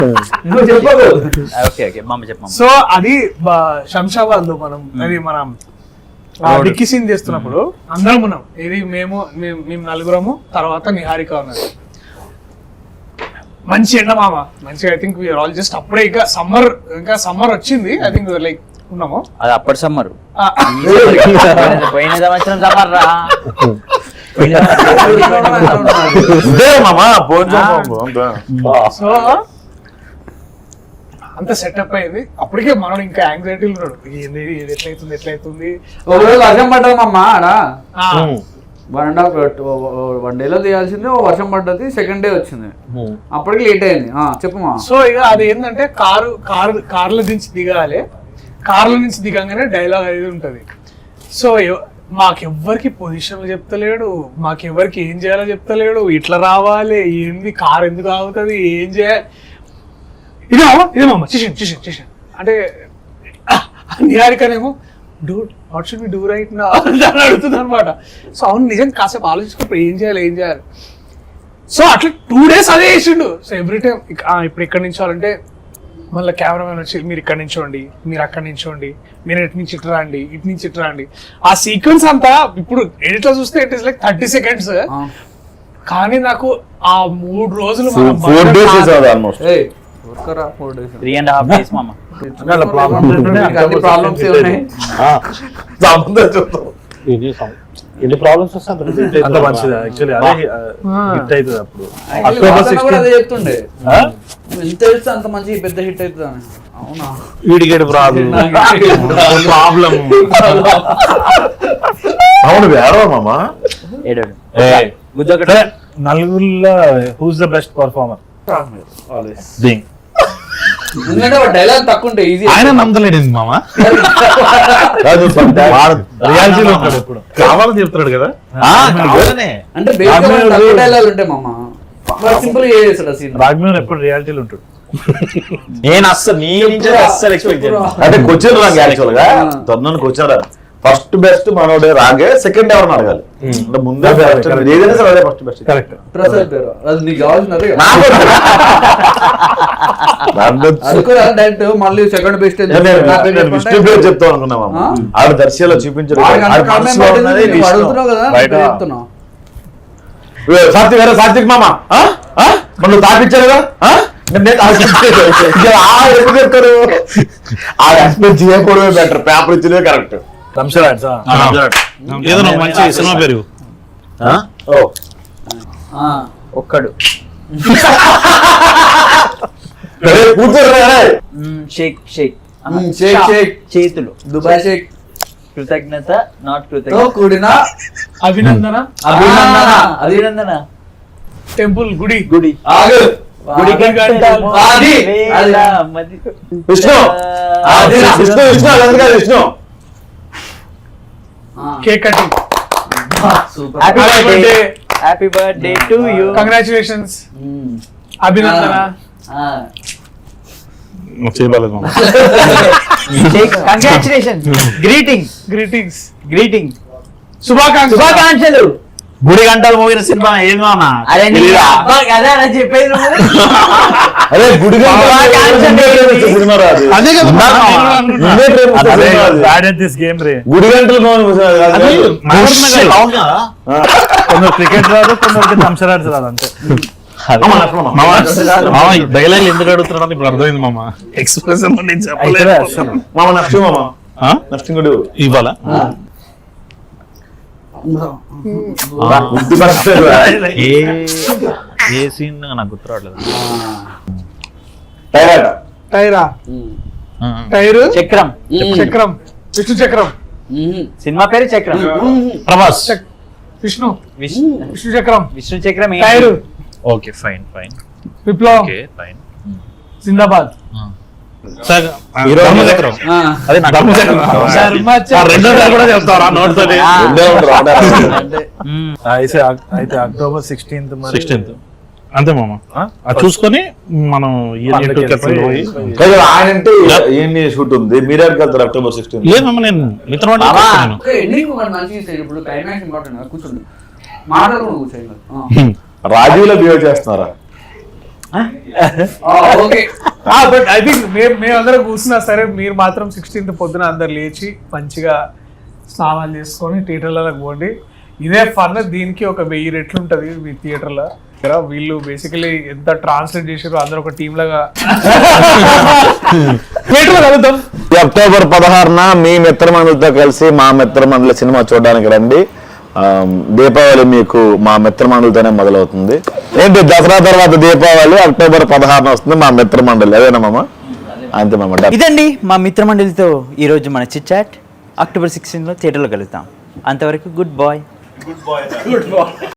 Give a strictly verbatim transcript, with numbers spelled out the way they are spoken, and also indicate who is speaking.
Speaker 1: నువ్వు చెప్పదు.
Speaker 2: Okay okay మామ చెప్పమ్మ.
Speaker 3: సో అది శంషాబాద్ లో మనం అది మనం డిక్కీ సీన్ చేస్తున్నప్పుడు అందరం ఉన్నాం. ఇది మేము మేము నలుగురము, తర్వాత నిహారిక ఉన్నది. మంచి ఎండ మామ, మంచిగా. I think we're all just అప్పుడే ఇంకా సమ్మర్, ఇంకా సమ్మర్ వచ్చింది. ఐ థింక్ లైక్ ఉన్నాము.
Speaker 2: అది అప్పటి సమ్మర్, పోయిన సంవత్సరం సమ్మర్ రా.
Speaker 3: సో అంత సెటప్ అయింది. అప్పటికే మనం ఇంకా యాంగ్జైటీలు ఉన్నాడు, ఏంది ఎట్లయితుంది ఎట్లయితుంది.
Speaker 1: ఒకరోజు వర్షం పడ్డది మమ్మ ఆడ, వన్ అండ్ హాఫ్ వన్ డేలో తీయాల్సింది, వర్షం పడ్డది, సెకండ్ డే వచ్చింది, అప్పటికి లేట్ అయింది. చెప్పమా.
Speaker 3: సో ఇక అది ఏంటంటే కారు కారు కార్ల నుంచి దిగాలి, కార్ల నుంచి దిగంగానే డైలాగ్ అనేది ఉంటది. సో మాకెవ్వరికి పొజిషన్లు చెప్తలేడు, మాకెవ్వరికి ఏం చేయాలో చెప్తలేడు, ఇట్లా రావాలి, ఏంది కార్ ఎందుకు ఆగుతుంది, ఏం చేయాలి. ఇదే ఇదేమమ్మా చేసాను చేసాను చేసాను అంటే నిహారికనేమో do what should be do right నా అని అడుగుతుంది అనమాట. సో అవును నిజం, కాసేపు ఆలోచించుకున్నప్పుడు ఏం చేయాలి ఏం చేయాలి. సో అట్లా టూ డేస్ అదే వేసిండు. సో ఎవ్రీ టైం ఇప్పుడు ఎక్కడి నుంచోవాలంటే మళ్ళీ కెమెరామెన్ వచ్చి మీరు ఇక్కడ నుంచోండి, మీరు అక్కడి నుంచోండి, మీరు ఎటు నుంచి ఇటు రండి, ఇటు నుంచి ఇటు రండి. ఆ సీక్వెన్స్ అంతా ఇప్పుడు ఎడిట్ లో చూస్తే it is like thirty seconds, కానీ నాకు ఆ మూడు రోజులు
Speaker 2: త్రీ అండ్ హాఫ్ డేస్ మామ.
Speaker 4: ఎన్ని ప్రాబ్లమ్స్ వస్తే అంత మంచిది. యాక్చువల్లీ అదే హిట్ అవుతుంది. అప్పుడు అక్టోబర్ సిక్స్టీన్
Speaker 1: చెప్తుండే ఎంత తెలుసు అంత మంచి పెద్ద హిట్ అవుతుంది అని. అవునా,
Speaker 4: వీడికేడు ప్రాబ్లం ప్రాబ్లం అవును వేరే మామా. నలుగురిలో who's the best performer?
Speaker 1: Dialogue తక్కువ ఉంటే ఈజీ.
Speaker 4: ఆయన నమ్మలేడు మామా, రియాలిటీలో ఉంటాడు ఎప్పుడు కావాలని చెప్తాడు కదా.
Speaker 1: అంటే డైలాగ్ ఉంటాయి మామా, సింపుల్ గా చేస్తాడు సీన్.
Speaker 4: రాఘవేంద్ర ఎప్పుడు రియాలిటీలో ఉంటాడు.
Speaker 5: నేను అస్సలు నీ నుంచి అస్సలు ఎక్స్పెక్ట్ చేయను. అంటే క్వశ్చన్ రాంగ్ యాక్చువల్ గా తొందర క్వశ్చన్ ఫస్ట్ బెస్ట్ మనోడే రాగే, సెకండ్ ఎవరిని అడగాలి. అంటే ముందే ఏదైనా సరే అదే ఫస్ట్ బెస్ట్.
Speaker 4: కరెక్ట్.
Speaker 1: డైరెక్ట్ మళ్ళీ సెకండ్ బెస్ట్
Speaker 5: విష్ణు పేరు చెప్తాం అనుకున్నాం. ఆవిడ దర్శలో చూపించారు. సాత్విక్ గారు, సాత్విక్ మామ మనం తాపించారు కదా, ఎప్పుడు చెప్తారు? ఆ ఎక్స్పెక్ట్ చేయకూడదు, బెటర్ పేపర్ ఇచ్చినవే కరెక్ట్.
Speaker 4: ఏదో మంచి సినిమా పేరు
Speaker 2: ఒక్కడు షేక్ షేక్
Speaker 1: షేక్ షేక్
Speaker 2: చేతులు
Speaker 1: దుబాయ్ షేక్
Speaker 2: కృతజ్ఞత నాట్ కృతజ్ఞత
Speaker 1: కూడిన
Speaker 3: అభినందన
Speaker 1: అభినందన
Speaker 2: అభినందన
Speaker 3: టెంపుల్ గుడి
Speaker 2: గుడి
Speaker 1: ఆగు
Speaker 3: గుడి
Speaker 1: ఆది
Speaker 5: విష్ణు విష్ణు విష్ణు అదంతా Vishnu
Speaker 3: cake cutting.
Speaker 2: Happy birthday happy birthday to you,
Speaker 3: congratulations, అభినందన.
Speaker 4: చేయలేదు మామ.
Speaker 2: కంగ్రాచులేషన్స్, గ్రీటింగ్స్
Speaker 3: గ్రీటింగ్స్
Speaker 2: గ్రీటింగ్స్
Speaker 3: శుభాకాంక్షలు
Speaker 2: శుభాకాంక్షలు.
Speaker 5: గుడి గంటలు మోగిన సినిమా ఏది మామ?
Speaker 2: అరే కదా చెప్పేది
Speaker 5: అదే గుడి సినిమా రాదు. గుడి గంటలు
Speaker 4: కొందరు క్రికెట్ రాదు, కొందరికి థమ్సరాడ్స్ రాదు, అంతే. డైలాగ్ ఎందుకు అడుగుతున్నాడు ఇప్పుడు అర్థమైంది మామ. ఎక్స్ప్రెషన్
Speaker 5: మామ నష్టం మామ నష్టం కూడా
Speaker 4: ఇవ్వాలా? ఏ సీన్ నాకు గుర్తు రావట్లేదు.
Speaker 3: టైరా టైరు
Speaker 2: చక్రం
Speaker 3: చక్రం విష్ణు చక్రం.
Speaker 2: సినిమా పేరు చక్రం.
Speaker 4: ప్రభాస్
Speaker 3: విష్ణు విష్ణు చక్రం
Speaker 2: విష్ణు చక్రం
Speaker 3: టైరు.
Speaker 4: ఓకే ఫైన్ ఫైన్
Speaker 3: విప్లవం.
Speaker 4: Okay fine.
Speaker 3: జిందాబాద్.
Speaker 4: అయితే అక్టోబర్ సిక్స్టీన్త్ సిక్స్టీన్త్ అంతే మామ. చూసుకొని మనం
Speaker 5: ఆయన అంటే ఏంటి షూట్ ఉంది, మీరే వెళ్తారు అక్టోబర్ సిక్స్టీన్త్?
Speaker 4: లేదమ్మా, నేను మిత్రం
Speaker 5: రాజీవ్లో బిహేవ్ చేస్తున్నారా?
Speaker 3: ఓకే బట్ ఐ థింక్ మేము మేమందరం కూర్చున్నా సరే మీరు మాత్రం సిక్స్టీన్త్ పొద్దున అందరు లేచి మంచిగా స్నానాలు చేసుకొని థియేటర్లకు పోండి. ఇదే ఫన్. దీనికి ఒక వెయ్యి రెట్లు ఉంటది మీ థియేటర్లో. వీళ్ళు బేసికలీ ఎంత ట్రాన్స్లేట్ చేసారో అందరూ ఒక టీమ్ లాగా థియేటర్లో కలుద్దాం.
Speaker 5: అక్టోబర్ పదహారున మీ మిత్రమండలితో కలిసి మా మిత్రమండలి సినిమా చూడడానికి రండి. ఆ, దీపావళి మీకు మా మిత్రమండలితోనే మొదలవుతుంది. ఏంటి దసరా తర్వాత దీపావళి అక్టోబర్ పదహారున వస్తుంది మా మిత్రమండలి. అదేనా మామ? అంతే మామ.
Speaker 2: ఇదండి మా మిత్రమండలితో ఈరోజు మన చిట్ చాట్. అక్టోబర్ సిక్స్టీన్లో థియేటర్లో కలుద్దాం. అంతవరకు గుడ్ బాయ్.